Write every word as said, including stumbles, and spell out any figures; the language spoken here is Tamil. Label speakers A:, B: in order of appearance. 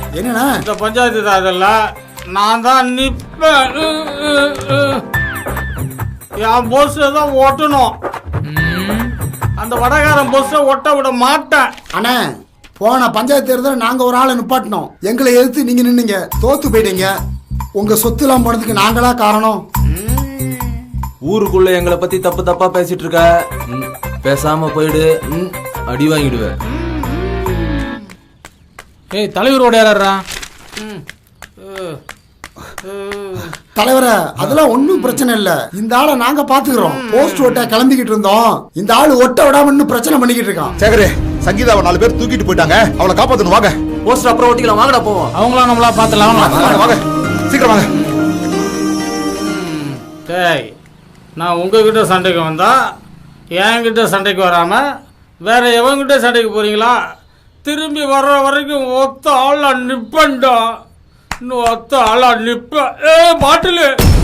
A: என்னண்ணா
B: இந்த பஞ்சாயத்து தாதில் நான் தான் நிற்பேன். என் போஸ்டை தான் ஒட்டணும். அந்த வடகாரன் போஸ்டை ஒட்ட விட மாட்டேன்.
A: அண்ணா போன பஞ்சாயத்து தேர்தல் நாங்க ஒரு ஆளை நிப்பாட்டினோம். எங்களை எதிர்த்து நீங்க நின்னீங்க, தோத்து போயிட்டீங்க. உங்க சொத்து எல்லாம் போனதுக்கு நாங்களா காரணம்.
C: ஊருக்குள்ள எங்களை பத்தி தப்பு தப்பா பேசிட்டு இருக்க. பேசாம போயிடு, அடி வாங்கிடுவேன்.
D: ஏய் தலைவரோட யாரா?
A: தலைவரை அதெல்லாம் ஒன்னும் பிரச்சனை இல்ல. இந்த ஆளை நாங்க பாத்துக்கிறோம். போஸ்ட் ஓட்ட கிளம்பிக்கிட்டு இருந்தோம். இந்த ஆளு ஒட்ட விடாம இன்னும் பிரச்சனை பண்ணிக்கிட்டு இருக்கான்.
E: சேகரே, சங்கீதாவை நாலு பேர் தூக்கிட்டு போயிட்டாங்க. அவளை காப்பாத்தணும். வாங்க.
C: போஸ்டர் அப்புறம் ஓட்டிக்கலாம். வாங்கடா போவோம்.
D: அவங்களாம் நம்மளா பாத்துலாம்.
E: வாங்க சீக்கிரம் வாங்க.
B: டேய், நான் உங்ககிட்ட சண்டைக்கு வந்தா என்கிட்ட சண்டைக்கு வராம வேற எவங்கிட்ட சண்டைக்கு போறீங்களா? திரும்பி வர்ற வரைக்கும் ஒத்த ஆளா நிப்பண்டா. இன்னும் ஒத்த ஆளா நிப்ப. ஏ பாட்டிலு